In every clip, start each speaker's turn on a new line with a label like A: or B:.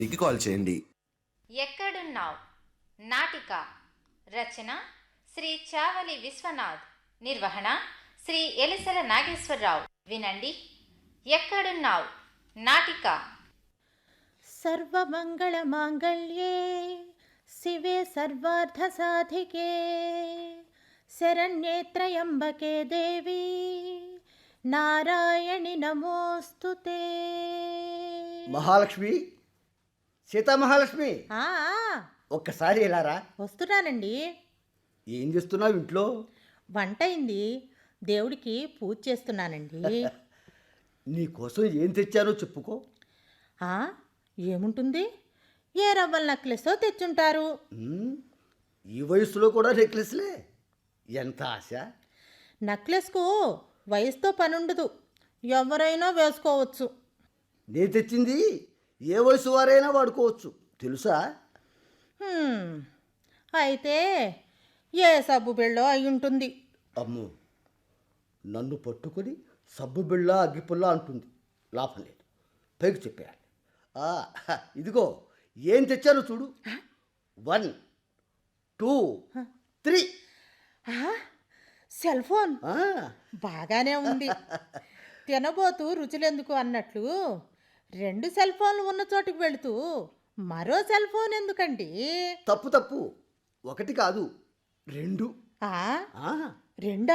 A: కి కాల్ చేయండి.
B: ఎక్కడున్నావ్ నాటిక రచన శ్రీ చావలి విశ్వనాథ్, నిర్వహణ శ్రీ ఎలిసల నాగేశ్వరరావు. వినండి. ఎక్కడున్నావ్ నాటిక.
C: సర్వమంగళమాంగళ్యే శివే సర్వార్థసాధికే శరణ్యే త్రయంబకే దేవి నారాయణి నమోస్తుతే.
D: మహాలక్ష్మి, సీతామహాలక్ష్మి,
C: ఆ,
D: ఒక్కసారి ఇలారా.
C: వస్తున్నానండి.
D: ఏం చేస్తున్నావు ఇంట్లో?
C: వంట అయింది, దేవుడికి పూజ చేస్తున్నానండి.
D: నీకోసం ఏం తెచ్చానో చెప్పుకో.
C: ఆ, ఏముంటుంది? ఏ రవ్వల నెక్లెసో తెచ్చుంటారు.
D: ఉమ్, ఈ వయసులో కూడా నెక్లెస్లే, ఎంత ఆశ.
C: నెక్లెస్కు వయసుతో పనుండదు, ఎవరైనా వేసుకోవచ్చు.
D: నేను తెచ్చింది ఏ వయసు వారైనా వాడుకోవచ్చు, తెలుసా?
C: హ్మ్, అయితే ఏ సబ్బు బిళ్ళో అయి ఉంటుంది.
D: అమ్మో, నన్ను పట్టుకొని సబ్బు బిళ్ళ అగ్గిపుల్ల అంటుంది. లాభం లేదు, పైకి చెప్పేయాలి. ఆ, ఇదిగో ఏం తెచ్చానో చూడు. 1 2 3.
C: ఆ, సెల్ ఫోన్ బాగానే ఉంది. తినబోతూ రుచులెందుకు అన్నట్లు 2 సెల్ ఫోన్లు ఉన్న చోటుకు వెళుతూ మరో సెల్ ఫోన్ ఎందుకండి?
D: తప్పు తప్పు, 1 కాదు 2.
C: ఆ,
D: ఆ,
C: 2?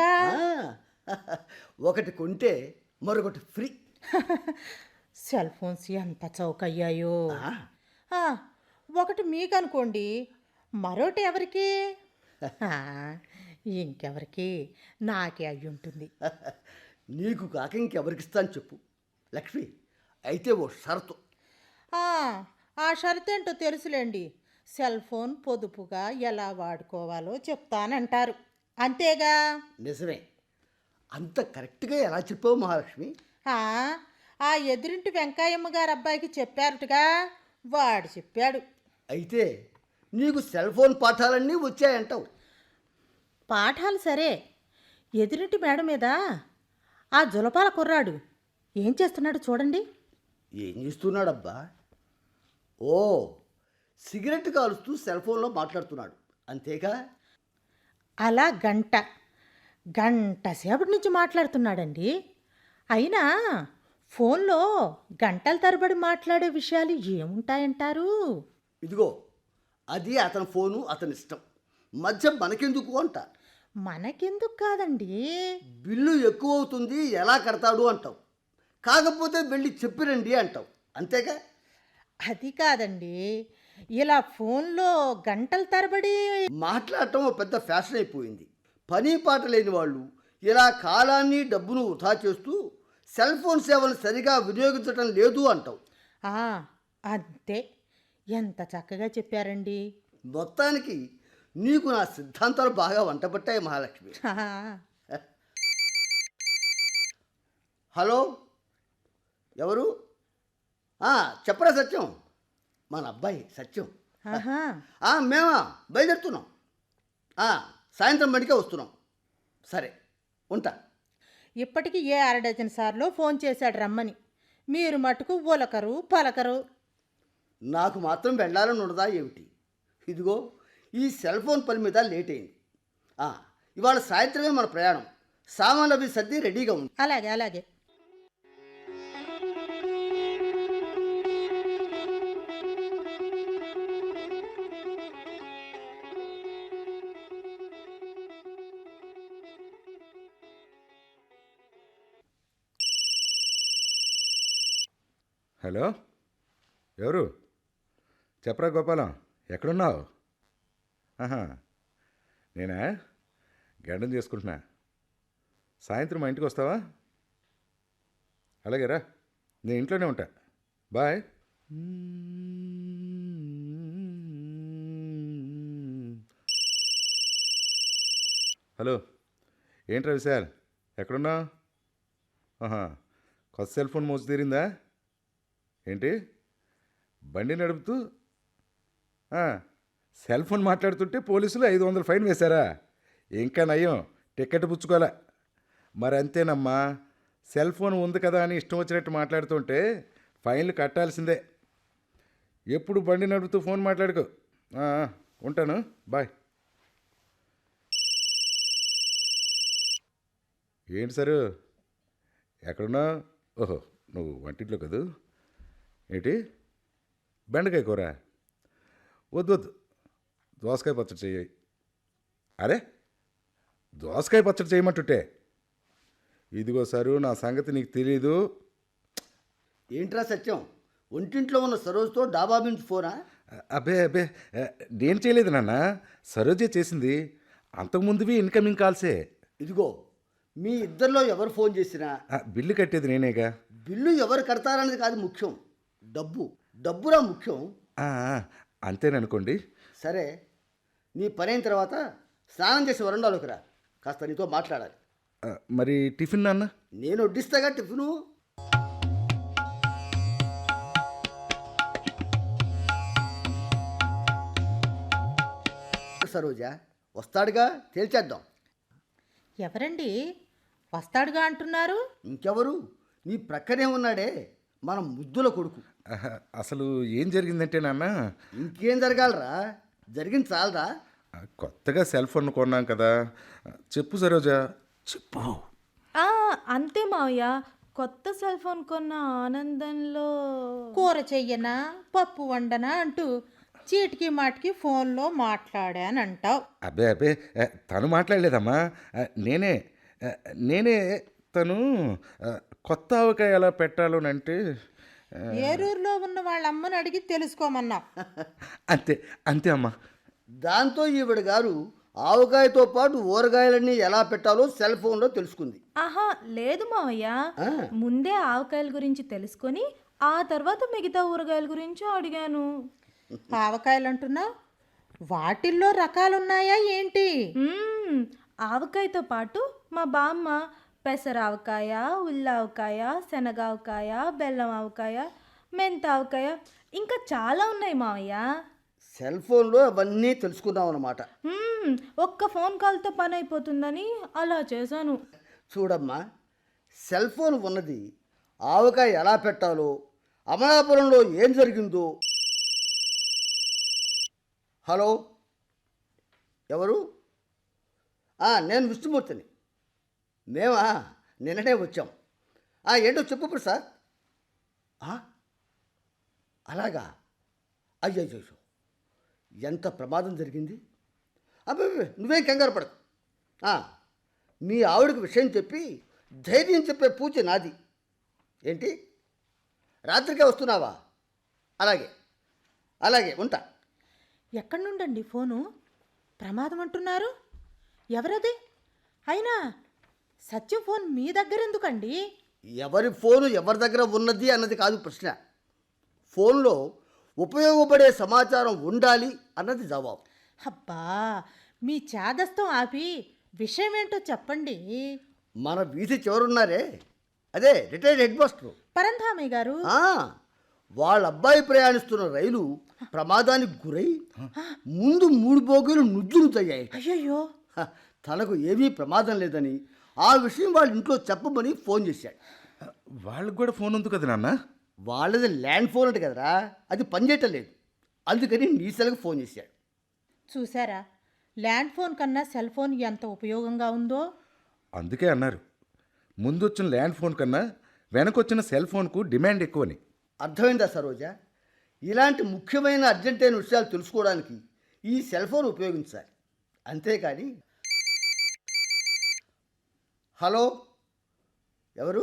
D: ఒకటి కొంటే మరొకటి ఫ్రీ.
C: సెల్ ఫోన్స్ ఎంత చౌకయ్యాయో.
D: ఆ,
C: ఆ, ఒకటి మీకు అనుకోండి, మరోటి ఎవరికి? ఆ, ఇంకెవరికి? నాకే అయి ఉంటుంది.
D: నీకు కాక ఇంకెవరికి ఇస్తాను చెప్పు లక్ష్మి. అయితే ఓ షరతు.
C: ఆ, ఆ షరతు ఏంటో తెలుసులేండి. సెల్ ఫోన్ పొదుపుగా ఎలా వాడుకోవాలో చెప్తానంటారు, అంతేగా?
D: నిజమే, అంత కరెక్ట్గా ఎలా చెప్పావు మహాలక్ష్మి.
C: ఆ, ఆ ఎదురింటి వెంకాయమ్మ గారు అబ్బాయికి చెప్పారటగా, వాడు చెప్పాడు.
D: అయితే నీకు సెల్ ఫోన్ పాఠాలన్నీ వచ్చాయంటావు.
C: పాఠాలు సరే, ఎదురింటి మేడ మీద ఆ జులపాల కుర్రాడు ఏం చేస్తున్నాడు చూడండి.
D: ఏం చేస్తున్నాడబ్బా? ఓ, సిగరెట్ కాలుస్తూ సెల్ ఫోన్లో మాట్లాడుతున్నాడు, అంతేగా?
C: అలా గంట సేపటి నుంచి మాట్లాడుతున్నాడండి. అయినా ఫోన్లో గంటల తరబడి మాట్లాడే విషయాలు ఏముంటాయంటారు?
D: ఇదిగో, అది అతని ఫోను, అతని ఇష్టం. మధ్య మనకెందుకు అంట.
C: మనకెందుకు కాదండి.
D: బిల్లు ఎక్కువ అవుతుంది, ఎలా కడతాడు అంటావు. కాకపోతే వెళ్ళి చెప్పిరండి అంటావు, అంతేగా?
C: అది కాదండి, ఇలా ఫోన్లో గంటల తరబడి
D: మాట్లాడటం ఓ పెద్ద ఫ్యాషన్ అయిపోయింది. పని పాట లేని వాళ్ళు ఇలా కాలాన్ని డబ్బును వృధా చేస్తూ సెల్ ఫోన్ సేవలు సరిగా వినియోగించడం లేదు అంటావు.
C: ఆ, అంతే. ఎంత చక్కగా చెప్పారండి.
D: మొత్తానికి నీకు నా సిద్ధాంతాలు బాగా వంటపట్టాయి మహాలక్ష్మి. హలో, ఎవరు? చెప్పరా సత్యం, మన అబ్బాయి సత్యం.
C: ఆహా,
D: మేమా బయలుదేరుతున్నాం. సాయంత్రం బడికే వస్తున్నాం. సరే, ఉంటా.
C: ఇప్పటికి ఏ 6 సార్లు ఫోన్ చేశాడు రమ్మని, మీరు మటుకు ఉలకరు పలకరు.
D: నాకు మాత్రం వెళ్ళాలని ఉండదా ఏమిటి? ఇదిగో ఈ సెల్ ఫోన్ పని మీద లేట్ అయింది. ఇవాళ సాయంత్రమే మన ప్రయాణం. సామాన్లు అవి సర్ది రెడీగా ఉంది.
C: అలాగే అలాగే.
E: హలో, ఎవరు? చెప్పరా గోపాలం, ఎక్కడున్నావు? ఆహా, నేనా? గడ్డం చేసుకుంటున్నా. సాయంత్రం మా ఇంటికి వస్తావా? అలాగే రా, నేను ఇంట్లోనే ఉంటా. బాయ్. హలో, ఏంట్రా విశాల్, ఎక్కడున్నావు? ఆహా, కొత్త సెల్ ఫోన్ మోసి తీరిందా ఏంటి? బండి నడుపుతూ సెల్ ఫోన్ మాట్లాడుతుంటే పోలీసులు 500 ఫైన్ వేశారా? ఇంకా నయం, టికెట్ పుచ్చుకోలే. మరి అంతేనమ్మా, సెల్ ఫోన్ ఉంది కదా అని ఇష్టం వచ్చినట్టు మాట్లాడుతుంటే ఫైన్లు కట్టాల్సిందే. ఎప్పుడు బండి నడుపుతూ ఫోన్ మాట్లాడుకో. ఉంటాను, బాయ్. ఏంటి సారు, ఎక్కడున్నావు? ఓహో, నువ్వు వంటింట్లో కదూ. ఏంటి, బెండకాయ కూర? వద్దు వద్దు, దోసకాయ పచ్చడి చెయ్యి. అరే, దోసకాయ పచ్చడి చేయమంటుంటే. ఇదిగో సారు, నా సంగతి నీకు తెలీదు.
D: ఏంట్రా సత్యం, ఒంటింట్లో ఉన్న సరోజ్తో డాబా నుంచి ఫోనా?
E: అబ్బే అబ్బే, నేను చేయలేదు నాన్న, సరోజే చేసింది. అంతకుముందువి ఇన్కమింగ్ కాల్సే.
D: ఇదిగో, మీ ఇద్దరిలో ఎవరు ఫోన్ చేసినా
E: బిల్లు కట్టేది నేనేగా.
D: బిల్లు ఎవరు కడతారనేది కాదు ముఖ్యం, డబ్బురా ముఖ్యం.
E: అంతేననుకోండి.
D: సరే, నీ పని అయిన తర్వాత స్నానం చేసి వరండాలోకి రా, కాస్త నీతో మాట్లాడాలి.
E: మరి టిఫిన్ నాన్న?
D: నేను వడ్డిస్తాగా టిఫిను. సరోజా వస్తాడుగా, తేల్చేద్దాం.
C: ఎవరండి వస్తాడుగా అంటున్నారు?
D: ఇంకెవరు, నీ ప్రక్కనే ఉన్నాడే మన ముద్దుల కొడుకు.
E: అసలు ఏం జరిగిందంటే నాన్న,
D: ఇంకేం జరగాలరా, జరిగింది చాలరా.
E: కొత్తగా సెల్ ఫోన్ కొన్నాం కదా. చెప్పు సరోజా, చెప్పు.
A: అంతే మావయ్య, కొత్త సెల్ ఫోన్ కొన్న ఆనందంలో
C: కూర చెయ్యనా పప్పు వండనా అంటూ చీటికి మాటికి ఫోన్లో మాట్లాడానంటావు.
E: అబ్బే అబ్బే, తను మాట్లాడలేదమ్మా, నేనే తను కొత్త ఆవకాయ ఎలా పెట్టాలోనంటే.
C: ఏరూరులో ఉన్న వాళ్ళ అమ్మని అడిగి తెలుసుకోమన్నా.
E: అంతే అంతే అమ్మా.
D: దాంతో ఈవిడ గారు ఆవకాయతో పాటు ఊరగాయలన్నీ ఎలా పెట్టాలో సెల్ ఫోన్లో తెలుసుకుంది.
A: ఆహా లేదు మావయ్య, ముందే ఆవకాయల గురించి తెలుసుకొని ఆ తర్వాత మిగతా ఊరగాయల గురించి అడిగాను.
C: ఆవకాయలు అంటున్నావు, వాటిల్లో రకాలున్నాయా ఏంటి?
A: ఆవకాయతో పాటు మా బామ్మ పెసరావకాయ, ఉల్లావకాయ, శనగావకాయ, బెల్లం ఆవకాయ, మెంతావకాయ, ఇంకా చాలా ఉన్నాయి మావయ్య.
D: సెల్ ఫోన్లో అవన్నీ తెలుసుకున్నాం అన్నమాట.
A: ఒక్క ఫోన్ కాల్తో పని అయిపోతుందని అలా చేశాను.
D: చూడమ్మా, సెల్ ఫోన్ ఉన్నది ఆవకాయ ఎలా పెట్టాలో, అమలాపురంలో ఏం జరిగిందో. హలో, ఎవరు? నేను విష్ణుమూర్తిని. మేమా నిన్ననే వచ్చాం. ఏంటో చెప్పు ప్రసాద్. అలాగా, అయ్యో, ఎంత ప్రమాదం జరిగింది. అబ్బాయి నువ్వేం కంగారు పడకు. మీ ఆవిడకు విషయం చెప్పి ధైర్యం చెప్పే పూజ నాది. ఏంటి, రాత్రికే వస్తున్నావా? అలాగే ఉంటా.
C: ఎక్కడి నుండండి ఫోను? ప్రమాదం అంటున్నారు, ఎవరది? అయినా సత్యం ఫోన్ మీ దగ్గర ఎందుకండి?
D: ఎవరి ఫోను ఎవరి దగ్గర ఉన్నది అన్నది కాదు ప్రశ్న, ఫోన్లో ఉపయోగపడే సమాచారం ఉండాలి అన్నది జవాబు.
C: అబ్బా, మీ చాదస్తం ఆపి విషయం ఏంటో చెప్పండి.
D: మన వీధి చివరున్నారే, అదే రిటైర్డ్ హెడ్ మాస్టర్
C: పరంధామయ్య గారు.
D: వాళ్ళ అబ్బాయి ప్రయాణిస్తున్న రైలు ప్రమాదానికి గురై ముందు 3 బోగీలు నుజ్జునుతయ్యాయి.
C: అయ్యయ్యో,
D: తనకు ఏమీ ప్రమాదం లేదని ఆ విషయం వాళ్ళ ఇంట్లో చెప్పమని ఫోన్ చేశాడు.
E: వాళ్ళకి కూడా ఫోన్ ఉంది కదా నాన్న?
D: వాళ్ళది ల్యాండ్ ఫోన్ అంటే కదరా, అది పనిచేయటం లేదు, అందుకని నీ సెల్కి ఫోన్ చేశాడు.
C: చూసారా, ల్యాండ్ ఫోన్ కన్నా సెల్ ఫోన్ ఎంత ఉపయోగంగా ఉందో.
E: అందుకే అన్నారు, ముందొచ్చిన ల్యాండ్ ఫోన్ కన్నా వెనకొచ్చిన సెల్ ఫోన్కు డిమాండ్ ఎక్కువని.
D: అర్థమైందా సరోజా? ఇలాంటి ముఖ్యమైన అర్జెంటైన విషయాలు తెలుసుకోవడానికి ఈ సెల్ ఫోన్ ఉపయోగించాలి, అంతేకాని. హలో, ఎవరు?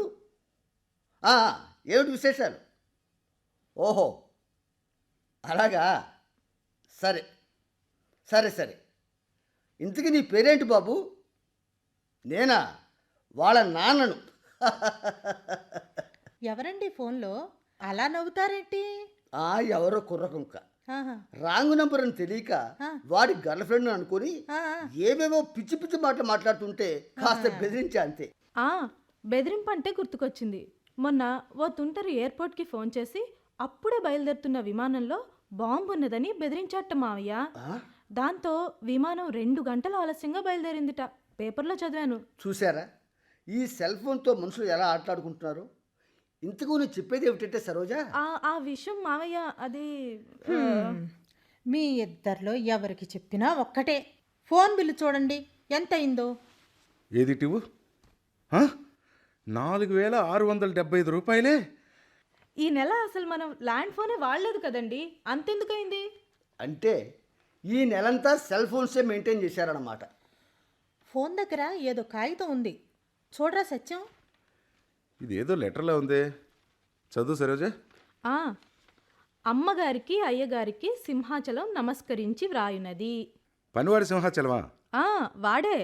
D: ఏమిటి విశేషాలు? ఓహో, అలాగా, సరే. ఇంతకీ నీ పేరేంటి బాబు? నేనా, వాళ్ళ నాన్నను.
C: ఎవరండి ఫోన్లో అలా నవ్వుతారేంటి?
D: ఎవరో కుర్రకుంక,
C: ఆహా.
D: రాంగ్ నంబర్ అని తెలియక వాడి గర్ల్ ఫ్రెండ్ అనుకుని ఏవేవో పిచ్చి పిచ్చి మాటలు మాట్లాడుతుంటే కాస్త బెదిరించా, అంతే.
A: బెదిరింపు అంటే గుర్తుకొచ్చింది. మొన్న ఓ తుంటరి ఎయిర్పోర్ట్కి ఫోన్ చేసి అప్పుడే బయలుదేరుతున్న విమానంలో బాంబు ఉన్నదని బెదిరించాట మావయ్య. దాంతో విమానం 2 గంటలు ఆలస్యంగా బయలుదేరిందిట. పేపర్లో చదివాను.
D: చూసారా, ఈ సెల్ ఫోన్తో మనుషులు ఎలా ఆటలాడుకుంటున్నారు. ఇంతకు నువ్వు చెప్పేది ఏమిటంటే సరోజా,
A: ఆ విషయం మావయ్య అది
C: మీ ఇద్దరిలో ఎవరికి చెప్పినా ఒక్కటే. ఫోన్ బిల్లు చూడండి ఎంత అయిందో.
E: ఏది టివు 4675 రూపాయలే.
A: ఈ నెల అసలు మనం ల్యాండ్ ఫోనే వాడలేదు కదండి, అంతెందుకైంది?
D: అంటే ఈ నెలంతా సెల్ ఫోన్సే మెయింటైన్ చేశారన్నమాట.
C: ఫోన్ దగ్గర ఏదో కాగితం ఉంది, చూడరా సత్యం.
E: ఇదేదో లెటర్లో ఉంది, చదువు సరోజా.
A: ఆ, అమ్మగారికి అయ్యగారికి సింహాచలం నమస్కరించి వ్రాయునది.
E: పనివాడి సింహాచలమా?
A: వాడే.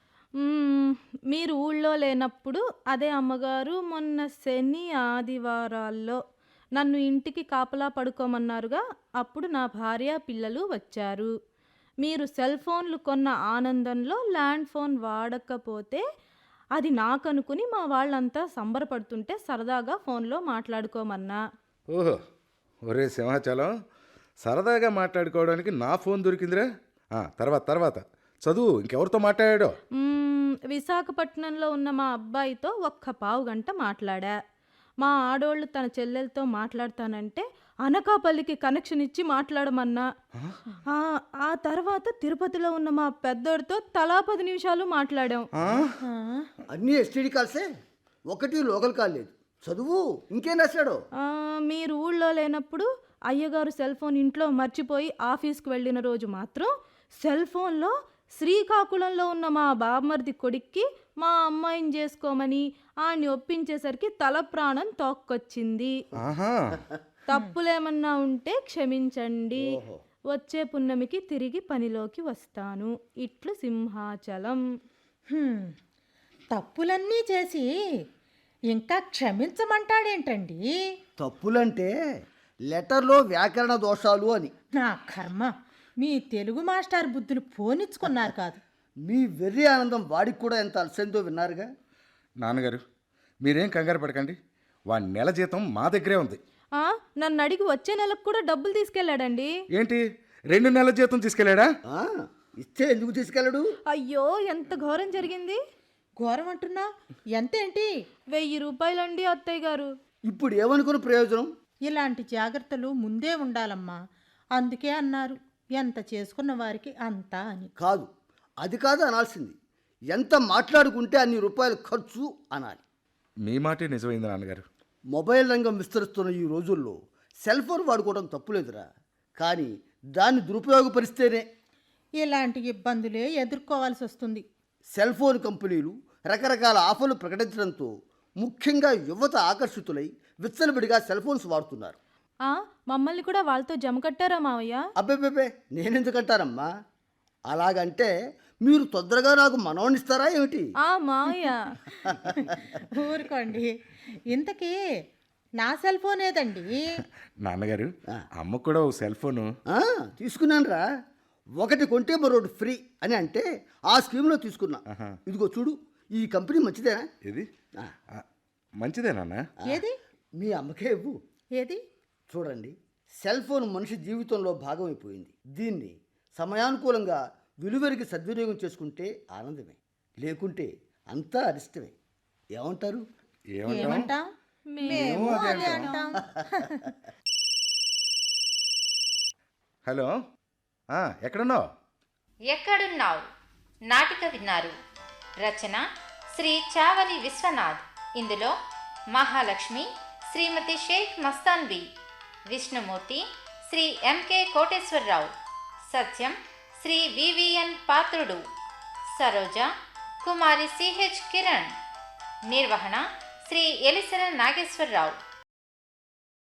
A: మీరు ఊళ్ళో లేనప్పుడు అదే అమ్మగారు మొన్న శని ఆదివారాల్లో నన్ను ఇంటికి కాపలా పడుకోమన్నారుగా, అప్పుడు నా భార్య పిల్లలు వచ్చారు. మీరు సెల్ ఫోన్లు కొన్న ఆనందంలో ల్యాండ్ ఫోన్ వాడకపోతే అది నాకనుకుని మా వాళ్ళంతా సంబరపడుతుంటే సరదాగా ఫోన్లో మాట్లాడుకోమన్నా.
E: ఓహో, ఒరే సింహాచలం, సరదాగా మాట్లాడుకోవడానికి నా ఫోన్ దొరికిందిరా. తర్వాత చదువు, ఇంకెవరితో మాట్లాడాడో.
A: విశాఖపట్నంలో ఉన్న మా అబ్బాయితో ఒక్క పావు గంట మాట్లాడా. మా ఆడోళ్ళు తన చెల్లెలతో మాట్లాడతానంటే అనకాపల్లికి కనెక్షన్ ఇచ్చి మాట్లాడమన్నా. ఆ తర్వాత తిరుపతిలో ఉన్న మా పెద్దోడితో తలా 10 నిమిషాలు మాట్లాడాం.
D: అన్నీ ఎస్టీడీ కాల్సే, ఒకటి లోకల్ కాల్ లేదు. చదువు, ఇంకేం రాశాడో.
A: మీరు ఊళ్ళో లేనప్పుడు అయ్యగారు సెల్ ఫోన్ ఇంట్లో మర్చిపోయి ఆఫీస్కి వెళ్ళిన రోజు మాత్రం సెల్ ఫోన్లో శ్రీకాకుళంలో ఉన్న మా బామ్మర్ది కొడుక్కి మా అమ్మాయిని చేసుకోమని ఆడిని ఒప్పించేసరికి తల ప్రాణం తోక్కొచ్చింది. తప్పులేమన్నా ఉంటే క్షమించండి, వచ్చే పున్నమికి తిరిగి పనిలోకి వస్తాను. ఇట్లు సింహాచలం.
C: తప్పులన్నీ చేసి ఇంకా క్షమించమంటాడేంటండి?
D: తప్పులంటే లెటర్లో వ్యాకరణ దోషాలు అని.
C: నా కర్మ, మీ తెలుగు మాస్టర్ బుద్ధులు పోనిచ్చుకున్నారు కాదు.
D: మీ వెర్రి ఆనందం వాడికి కూడా ఎంత అలసందో విన్నారుగా.
E: నాన్నగారు, మీరేం కంగారు పడకండి, వాడి నెల జీతం మా దగ్గరే ఉంది.
A: నన్ను అడిగి వచ్చే నెలకు కూడా డబ్బులు తీసుకెళ్ళాడండి.
E: ఏంటి, 2 నెలల జీతం తీసుకెళ్ళాడా?
D: ఇస్తే ఎందుకు తీసుకెళ్ళడు?
A: అయ్యో, ఎంత ఘోరం జరిగింది.
C: ఘోరం అంటున్నా? ఎంతేంటి?
A: 1000 రూపాయలండి అత్తయ్య గారు.
D: ఇప్పుడు ఏమనుకున్న ప్రయోజనం?
C: ఇలాంటి జాగ్రత్తలు ముందే ఉండాలమ్మా. అందుకే అన్నారు, ఎంత చేసుకున్న వారికి అంతా అని.
D: కాదు, అది కాదు అనాల్సింది. ఎంత మాట్లాడుకుంటే అన్ని రూపాయలు ఖర్చు అనాలి.
E: మీ మాటే నిజమైంది నాన్నగారు.
D: మొబైల్ రంగం విస్తరిస్తున్న ఈ రోజుల్లో సెల్ ఫోన్ వాడుకోవడం తప్పులేదురా, కానీ దాన్ని దురుపయోగపరిస్తేనే
C: ఇలాంటి ఇబ్బందులే ఎదుర్కోవాల్సి వస్తుంది.
D: సెల్ ఫోన్ కంపెనీలు రకరకాల ఆఫర్లు ప్రకటించడంతో ముఖ్యంగా యువత ఆకర్షితులై విచ్చలవిడిగా సెల్ ఫోన్స్ వాడుతున్నారు.
A: మమ్మల్ని కూడా వాళ్ళతో జమ కట్టారా మావయ్య?
D: అబ్బే, నేనెందుకంటానమ్మా? అలాగంటే మీరు తొందరగా నాకు మనవనిస్తారా ఏమిటి?
A: మావయ్య
C: ఊరుకోండి. ఇంతకీ నా సెల్ ఫోన్ ఏదండి?
E: నాన్నగారు, అమ్మ కూడా ఓ సెల్ ఫోను
D: తీసుకున్నానురా. ఒకటి కొంటే మరొకటి ఫ్రీ అని అంటే ఆ స్కీమ్లో తీసుకున్నా. ఇదిగో చూడు, ఈ కంపెనీ మంచిదేనా?
E: ఏది మంచిదే నాన్న.
C: ఏది?
D: మీ అమ్మకే ఇవ్వు.
C: ఏది?
D: చూడండి, సెల్ ఫోన్ మనిషి జీవితంలో భాగం అయిపోయింది. దీన్ని సమయానుకూలంగా విలువరికి సద్వినియోగం చేసుకుంటే ఆనందమే, లేకుంటే అంతా అరిష్టమే. ఏమంటారు?
C: ఏమంటాం? మేము అదే అంటాం.
E: హలో, ఎక్కడున్నావు?
B: ఎక్కడున్నావు నాటిక విన్నారు. రచన శ్రీ చావలి విశ్వనాథ్. ఇందులో మహాలక్ష్మి శ్రీమతి షేక్ మస్తాన్వి, Vishnumurthy Shri MK Koteswararao, Satyam Shri VVN Patrudu, Saroja Kumari CH Kiran, నిర్వహణ శ్రీ ఎలిసెల నాగేశ్వరరావు.